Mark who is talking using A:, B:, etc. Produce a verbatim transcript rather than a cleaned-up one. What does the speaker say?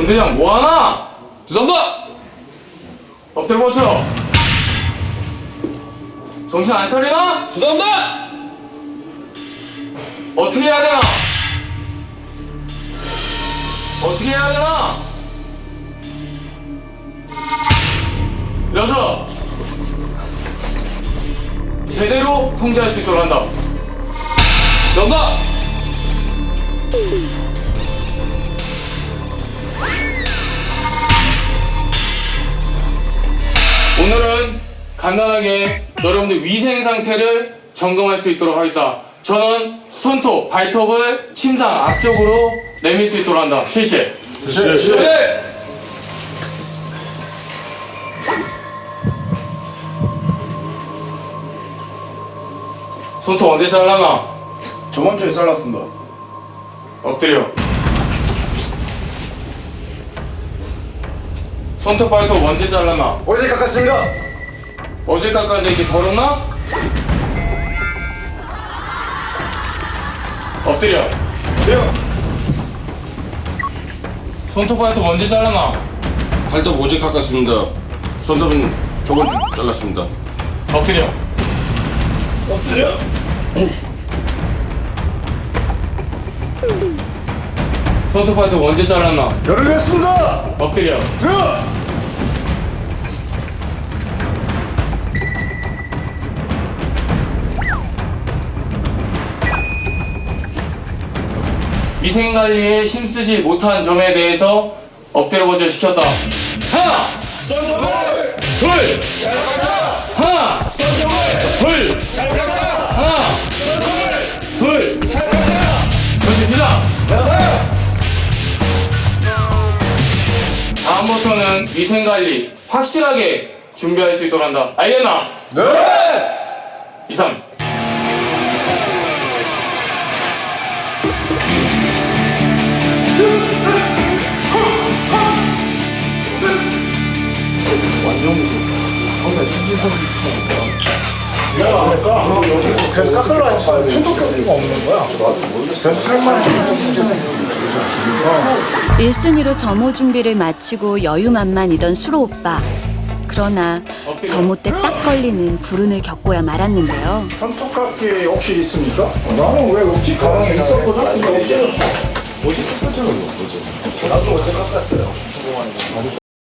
A: 중대장 뭐하나?
B: 죄송합니다.
A: 엎드려 버쳐. 정신 안 차리나?
B: 죄송합니다.
A: 어떻게 해야 되나? 어떻게 해야 되나? 일어서. 제대로 통제할 수 있도록 한다.
B: 죄송합니다.
A: 오늘은 간단하게 여러분들 위생 상태를 점검할 수 있도록 하겠다. 저는 손톱, 발톱을 침상 앞쪽으로 내밀 수 있도록 한다. 실시.
B: 실시.
A: 손톱 언제 잘라나?
C: 저번 주에 잘랐습니다.
A: 엎드려. 손톱, 발톱 언제 잘라나?
C: 어제 깎았습니다.
A: 어제 깎았는데 이렇게 더럽나? 엎드려.
C: 네요.
A: 손톱, 발톱 언제 잘라나?
B: 발톱 오직 깎았습니다. 손톱은 저번 주 잘랐습니다.
A: 엎드려.
C: 엎드려.
A: 손톱, 발톱 언제 잘랐나?
C: 열을 냈습니다.
A: 엎드려.
C: 들어.
A: 위생관리에 힘쓰지 못한 점에 대해서 엎드려 버져 시켰다. 하나!
C: 손톱을
A: 둘!
C: 잘 깎아.
A: 하나!
C: 손톱을
A: 둘!
C: 잘 깎아.
A: 하나!
C: 손톱을
A: 둘!
C: 잘 깎아.
A: 그렇지, 비상!
C: 나서요.
A: 다음부터는 위생관리 확실하게 준비할 수 있도록 한다. 알겠나?
C: 네.
A: 이상.
C: 완전 무서워. 근데 수지선 내가 안 할까? 그래서 깎으려 했어. 손톱깎이가 없는 거야. 그래서 살만
D: 일 순위로 점호 준비를 마치고 여유만만이던 수로 오빠. 그러나 점호 때 딱 걸리는 불운을 겪고야 말았는데요.
C: 손톱깎이 혹시 있습니까? 나는 왜 없지? 가방에 있었거든? 근데 없어졌어. 어제 깎았잖아, 어제. 나도 어제 깎았어요.